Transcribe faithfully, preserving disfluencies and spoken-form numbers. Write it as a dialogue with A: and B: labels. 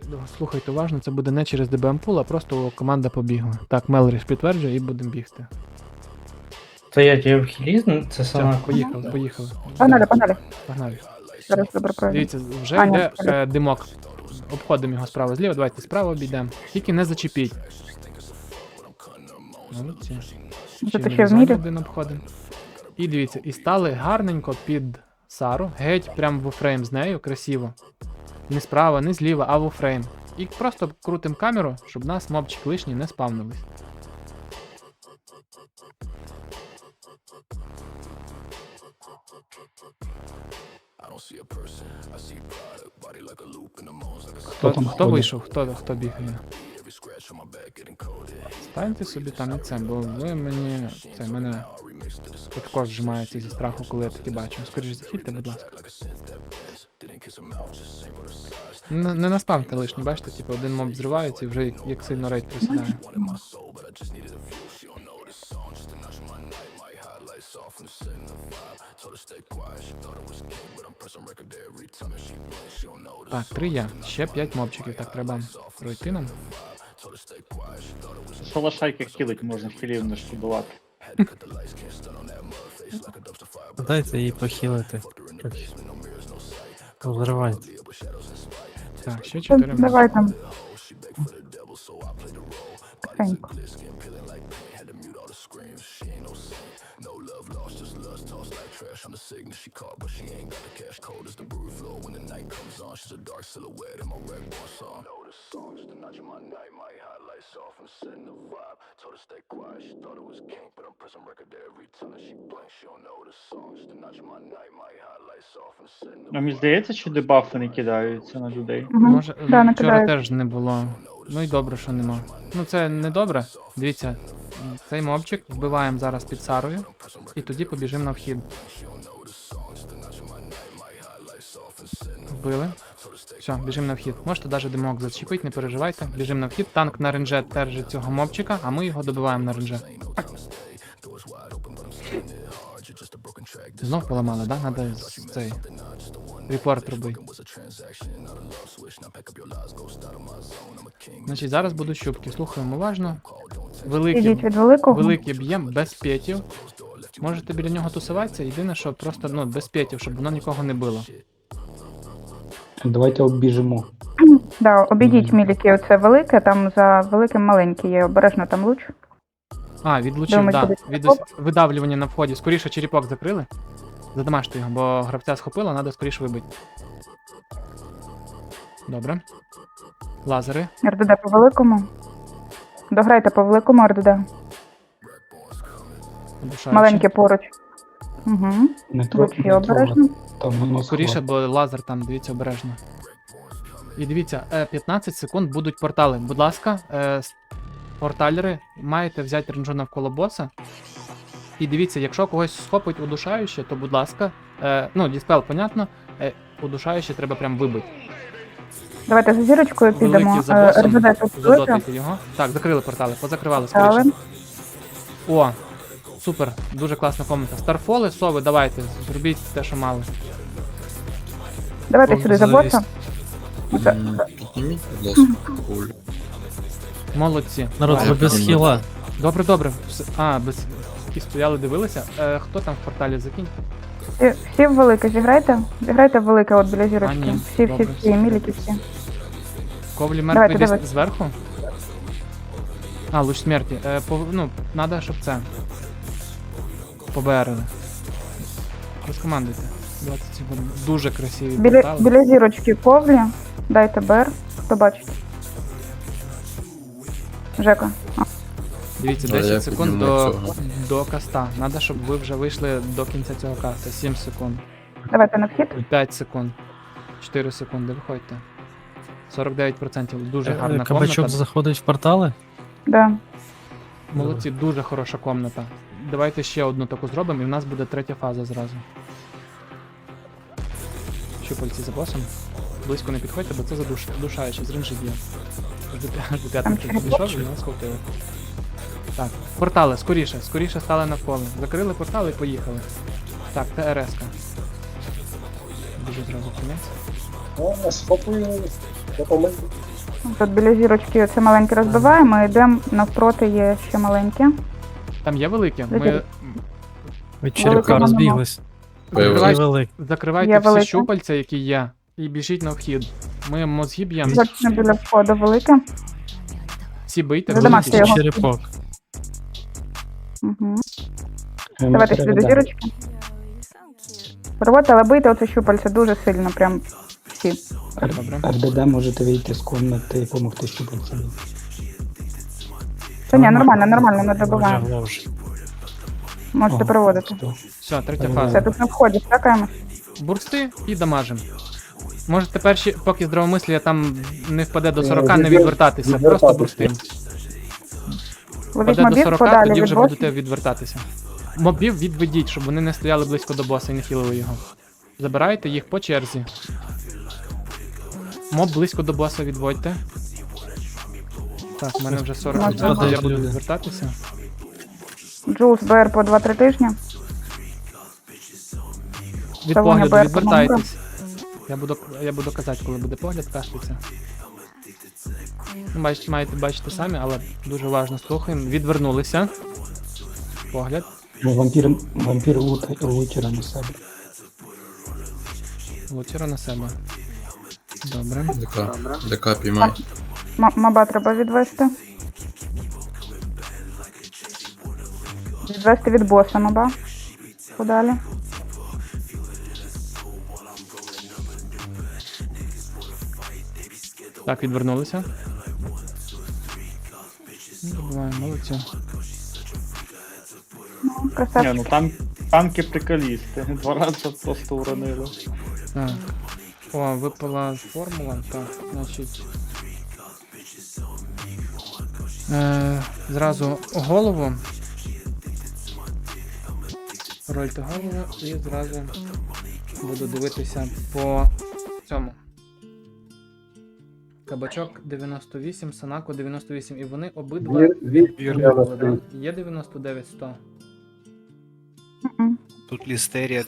A: слухайте уважно, це буде не через ді бі ем пул, а просто команда побігла. Так, Мелріш підтверджує і будемо бігти.
B: Стоять, я в хілі, це
A: Все,
B: сама.
A: поїхали, поїхали.
C: Погнали, погнали.
A: Погнали.
C: Зараз добре пройду.
A: Дивіться, вже
C: Аня,
A: йде
C: вперед.
A: е, димок. Обходимо його справа зліва, давайте справа обійдемо. Тільки не зачепіть. Молодці. Ще
C: Це
A: ми
C: ще в
A: зону
C: мірі?
A: один обходимо. І дивіться, і стали гарненько під Сару, геть прям в фрейм з нею, красиво. Не справа, не зліва, а в фрейм. І просто крутим камеру, щоб нас мобчик лишній не спавнились. Хто,
D: там
A: хто
D: ходить?
A: вийшов? Хто, хто бігає? Станьте собі там і це, бо ви мені. Це мене також зжимається зі страху, коли я таке бачу. Скоріше захильте, будь ласка. Не, не наставте лишні, бачите, типу один моб зривається і вже як, як сильно рейд присідає. Так, три я. Ще п'ять мобчиків, так треба пройти нам.
D: Що лошайка хілить, можна хілів не шкодувати.
E: Дайте їй похилити. Взривайте.
A: Так, ще
C: Та
A: чотири мобчики.
C: Давай там. Тихенько.
D: Ну, мені здається, що дебафи не кидаються на людей.
C: Мгм.
A: Може,
C: Да, не
A: вчора
C: кидаю.
A: теж не було. Ну і добре, що нема. Ну це не добре. Дивіться, цей мобчик вбиваємо зараз під Сарою, і тоді побіжимо на вхід. Вбили. Все, біжимо на вхід. Можете навіть димок зачепити, не переживайте. Біжимо на вхід. Танк на ренже держить цього мобчика, а ми його добиваємо на ренже. Знов поламали, да? Надо з- цей репорт робити. Значить, зараз будуть щупки. Слухаємо уважно. Великі,
C: Ідіть від великого.
A: великі б'єм без п'ятів. Можете біля нього тусуватися. Єдине, що просто ну, без п'ятів, щоб воно нікого не било.
F: Давайте обіжимо.
C: Да, обійдіть міліки, оце велике, там за великим маленький є, обережно там луч.
A: А, відлучив,
C: Думаю,
A: так.
C: буде
A: Да. Від
C: черепок.
A: видавлювання на вході. Скоріше черепок закрили. Задамажте його, бо гравця схопило, треба скоріше вибити. Добре. Лазери.
C: РДД по великому. Дограйте по великому РДД.
A: Удушаючі.
C: Маленьке поруч. Угу.
F: Не
C: Лучі
F: трохи
C: обережно.
F: Там воно
A: Скоріше, бо лазер там, дивіться обережно. І дивіться, е, п'ятнадцять секунд будуть портали. Будь ласка, е, с- порталери, маєте взяти ренджу навколо боса. І дивіться, якщо когось схопить удушаюче, то будь ласка, е, ну, діспел, понятно, е, удушаюче треба прям вибити.
C: Давайте за зірочкою підемо.
A: Великий за
C: Е,
A: босом,
C: РДД тут велике.
A: задотайте його. Так, закрили портали, позакривали
C: Але
A: скоріше. О, супер, дуже класна комната. Старфоли, сови, давайте, зробіть те, що мали.
C: давайте
E: О,
C: сюди за
E: завість.
C: боса. За-
G: Підніміть, будь ласка, куль.
A: Молодці.
E: Народ,
A: Давай.
E: ви без хіла.
A: Добре, добре. Все- А, без які стояли, дивилися. Е, хто там в порталі закинь?
C: Всі, всі в велике зіграйте. Зіграйте в велике от біля
A: А,
C: зірочки.
A: ні,
C: Всі, всі,
A: добре.
C: всі, міліки всі.
A: Ковлі
C: Давайте,
A: мертвий десь
C: давайте.
A: зверху? А, луч смерті. Е, по, ну, надо, щоб це. Поберили. Розкомандуйте. двадцять секунд. Дуже красиві
C: Біля,
A: портали.
C: біля зірочки ковлі. Дайте БР. Хто бачить? Жека.
A: Дивіться,
G: А я
A: десять секунд
G: підніму
A: до,
G: цього.
A: до каста. Надо, щоб ви вже вийшли до кінця цього каста. сім секунд.
C: Давайте на вхід.
A: п'ять секунд. чотири секунди, виходьте. сорок дев'ять відсотків. Дуже
E: Е,
A: гарна
E: Кабачок
A: комната.
E: заходить в портали.
C: Да.
A: Молодці, дуже хороша комната. Давайте ще одну таку зробимо, і в нас буде третя фаза зразу. Щупальці за босом. Близько не підходьте, бо це задуш... задушаюче, з ринжі б'є. Аж до, п'я- аж до п'ятниці
C: через
A: підійшов і нас схопили. Так, портали, скоріше, скоріше стали навколо. Закрили портали і поїхали. Так, ТРС-ка. Дуже зразу кінець.
H: О, схопую, допомогу.
C: Тут біля зірочки оце маленьке розбиваємо, і йдемо навпроти є ще маленьке.
A: Там є великі? Ми
C: Великі.
E: Від черепка
C: Великого
E: розбіглись.
G: Появилось.
A: закривайте,
E: Велик.
A: закривайте
C: Є
A: всі
C: велике.
A: щупальця, які є, і біжіть на вхід. Ми мозги б'ємо.
C: Точно біля входу велике.
A: Всі бийте,
C: Задамажте
A: великі.
C: його.
E: Черепок.
C: Угу. Давайте сюди до зірочки. Проводьте, але бийте оце щупальце дуже сильно, прям всі.
A: Добре.
F: РДД можете вийти з комнати і допомогти щупальцям.
C: Та ні, нормально, нормально, не добиваємо.
E: Лягло вже.
C: Можете
F: О,
C: проводити.
F: сто.
A: Все, третя
F: Все,
C: Все,
A: фаза.
C: тут на вході стакаємось.
A: Бурсти і дамажим. Можете перші, поки здравомислія там не впаде до сорока, не відвертатися, просто бурстим.
C: Ловіть
A: Впаде до
C: мобів,
A: сорока,
C: подалі
A: тоді
C: від
A: вже
C: босу.
A: будете відвертатися. Мобів відведіть, щоб вони не стояли близько до боса і не хілили його. Забирайте їх по черзі. Моб близько до боса відводьте. Так, у мене вже сорок
C: Можна.
A: відвертів, я буду
E: Люди.
A: відвертатися.
C: Джулс БР по два-три тижні.
A: Від
C: Та вони
A: погляду
C: беруть
A: відвертайтесь. Я буду, я буду казати, коли буде погляд каститься. Ну, Бачите, маєте бачити самі, але дуже уважно слухаємо. Відвернулися. Погляд.
F: Ну, вампір, вампір лут, лутера на себе.
A: Лучера на себе. Добре.
G: ДК. ДК піймай.
C: М- Маба треба відвести. Відвести від боса маба. Подалі.
A: Так, відвернулися. Добиваємо, молодці.
C: Ну,
D: Ні,
C: красавчик.
D: ну там танки приколісти. Два рази просто уронили.
A: Так. О, випала формула. Так, значить. Е, зразу голову. Рольте голову і зразу буду дивитися по цьому. Кабачок дев'яносто вісім, Санако дев'яносто вісім. І вони обидва
E: Вірно.
A: да? Є дев'яносто дев'ять сто.
C: Мгм.
H: Тут лістерія